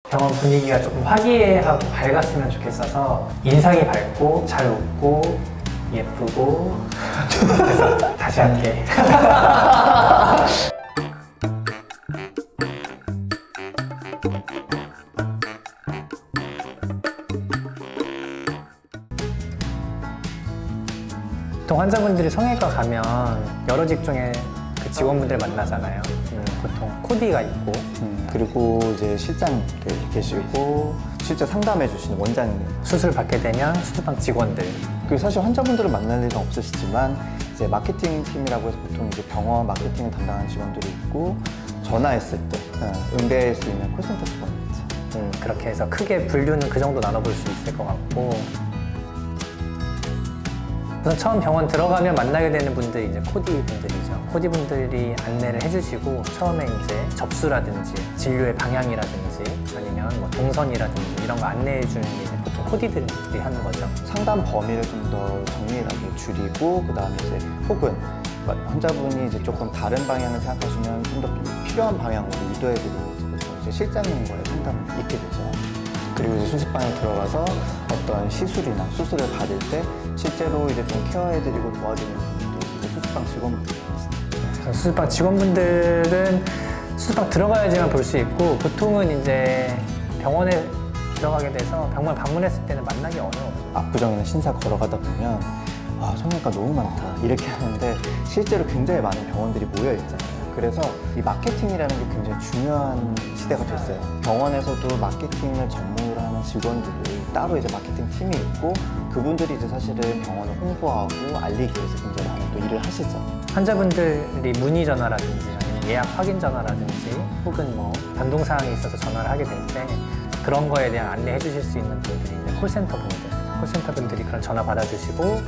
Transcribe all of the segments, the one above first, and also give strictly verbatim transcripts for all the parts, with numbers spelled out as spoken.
병원 분위기가 조금 화기애애하고 밝았으면 좋겠어서 인상이 밝고 잘 웃고 예쁘고 그래서 다시 할게. 보통 환자분들이 성형외과 가면 여러 직종의 그 직원분들 만나잖아요. 음, 보통 코디가 있고 음, 그리고 이제 실장님 계시고 실제 상담해 주시는 원장님. 수술 받게 되면 수술방 직원들. 그 사실 환자분들을 만날 일은 없으시지만 이제 마케팅 팀이라고 해서 보통 이제 병원 마케팅을 담당하는 직원들이 있고 전화했을 때 어, 응대할 수 있는 콜센터 직원이 있죠. 음, 그렇게 해서 크게 분류는 그 정도 나눠볼 수 있을 것 같고, 우선 처음 병원 들어가면 만나게 되는 분들이 이제 코디 분들이죠. 코디 분들이 안내를 해주시고 처음에 이제 접수라든지 진료의 방향이라든지 아니면 뭐 동선이라든지 이런 거 안내해 주는 게 이제 보통 코디들이 하는 거죠. 상담 범위를 좀 더 정밀하게 줄이고 그 다음에 이제 혹은 환자분이 이제 조금 다른 방향을 생각하시면 좀 더 필요한 방향으로 유도해드리고 이제 실장님과의 상담이 있게 되죠. 그리고 이제 수술방에 들어가서 어떤 시술이나 수술을 받을 때 실제로 이제 좀 케어해드리고 도와주는 분들도 이제 수술방 직원분들이 있습니다. 수술방 직원분들은 수술방 들어가야지만 볼 수 있고, 보통은 이제 병원에 들어가게 돼서 병원 방문했을 때는 만나기 어려워요. 압구정이나 신사 걸어가다 보면 아, 성형외과 너무 많다 이렇게 하는데 실제로 굉장히 많은 병원들이 모여 있잖아요. 그래서 이 마케팅이라는 게 굉장히 중요한 시대가 됐어요. 병원에서도 마케팅을 전문으로 하는 직원들이 따로 이제 마케팅 팀이 있고 그분들이 이제 사실은 병원을 홍보하고 알리기 위해서 굉장히 많은 또 일을 하시죠. 환자분들이 문의 전화라든지 아니면 예약 확인 전화라든지 혹은 뭐 변동사항이 있어서 전화를 하게 될 때 그런 거에 대한 안내해 주실 수 있는 분들이 이제 콜센터 분들, 콜센터 분들이 그런 전화 받아주시고,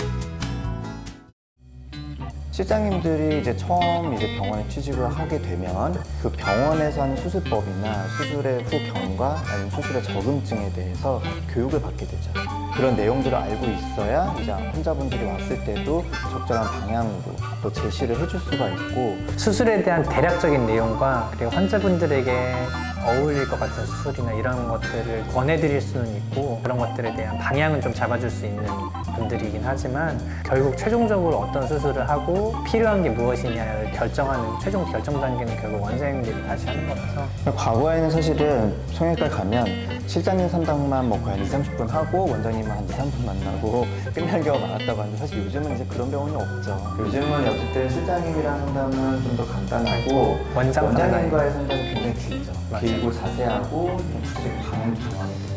실장님들이 이제 처음 이제 병원에 취직을 하게 되면 그 병원에서 하는 수술법이나 수술의 후 경과 아니면 수술의 적응증에 대해서 교육을 받게 되죠. 그런 내용들을 알고 있어야 이제 환자분들이 왔을 때도 적절한 방향으로 또 제시를 해줄 수가 있고, 수술에 대한 대략적인 내용과 그리고 환자분들에게 어울릴 것 같은 수술이나 이런 것들을 권해드릴 수는 있고, 그런 것들에 대한 방향은 좀 잡아줄 수 있는 분들이긴 하지만 결국 최종적으로 어떤 수술을 하고 필요한 게 무엇이냐를 결정하는 최종 결정 단계는 결국 원장님들이 다시 하는 거라서. 과거에는 사실은 성형외과 가면 실장님 상담만 뭐 거의 한 이삼십 분 하고 원장님만 한 이, 삼 분 만나고 끝날 경우가 많았다고 하는데 사실 요즘은 이제 그런 병원이 없죠. 요즘은 어쨌든 실장님이랑 상담은 좀 더 간단하고 원장 원장님과의 상담이 굉장히 길죠. 맞아요. 길고 자세하고 좀 수술의 방향도 정하게 되고.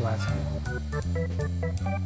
맞아요.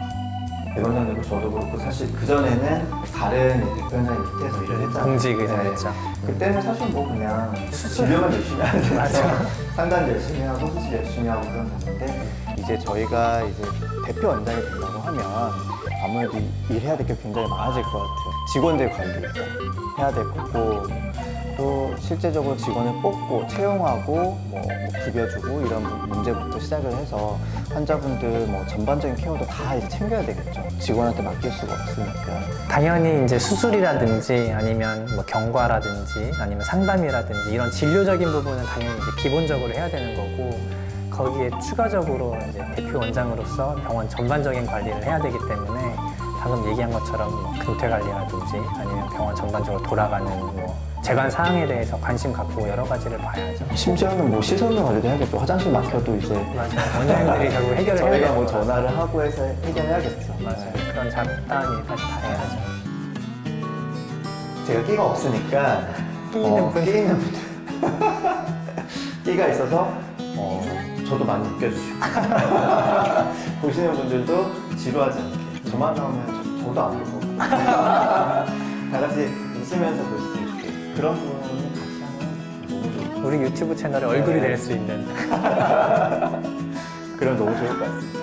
대원장님도 저도 그렇고 사실 그전에는 다른 대표원장님 밑에서 일을 했잖아요. 공직 의사였죠. 그때는 사실 뭐 그냥 진료만 열심히 하는 거죠. 맞아. 상담 열심히 하고 수술 열심히 하고 그런 건데 이제 저희가 이제 대표 원장이 되려고 하면 아무래도 일해야 될 게 굉장히 많아질 것 같아요. 직원들 관리 일단 해야 될 거고 또 실제적으로 직원을 뽑고 채용하고 뭐, 뭐 급여주고 이런 문제부터 시작을 해서 환자분들 뭐 전반적인 케어도 다 이제 챙겨야 되겠죠. 직원한테 맡길 수가 없으니까. 당연히 이제 수술이라든지 아니면 뭐 경과라든지 아니면 상담이라든지 이런 진료적인 부분은 당연히 이제 기본적으로 해야 되는 거고, 거기에 추가적으로 이제 대표 원장으로서 병원 전반적인 관리를 해야 되기 때문에 방금 얘기한 것처럼 뭐 근태 관리라든지 아니면 병원 전반적으로 돌아가는 뭐 재관 사항에 대해서 관심 갖고 여러 가지를 봐야죠. 심지어는 뭐 시설물 관리도 해야겠죠. 화장실 막혀도 이제 맞아요. 원장님들이 결국 해결을 해야 저희가 되는 뭐 거라서. 전화를 하고 해서 해결해야겠죠. 맞아요. 그런 잡다한 일까지 다 해야죠. 제가 끼가 없으니까 끼 있는 분. 끼 있는 분들 끼가 있어서 어, 저도 많이 느껴주시고 보시는 분들도 지루하지 않게 저만 나오면 저, 저도 안 보고 다 같이 웃으면서 볼 수 있게 그런 부분을 같이 하면 너무 좋고 우리 유튜브 채널에 얼굴이 될 수 있는 그럼 너무 좋을 것 같습니다.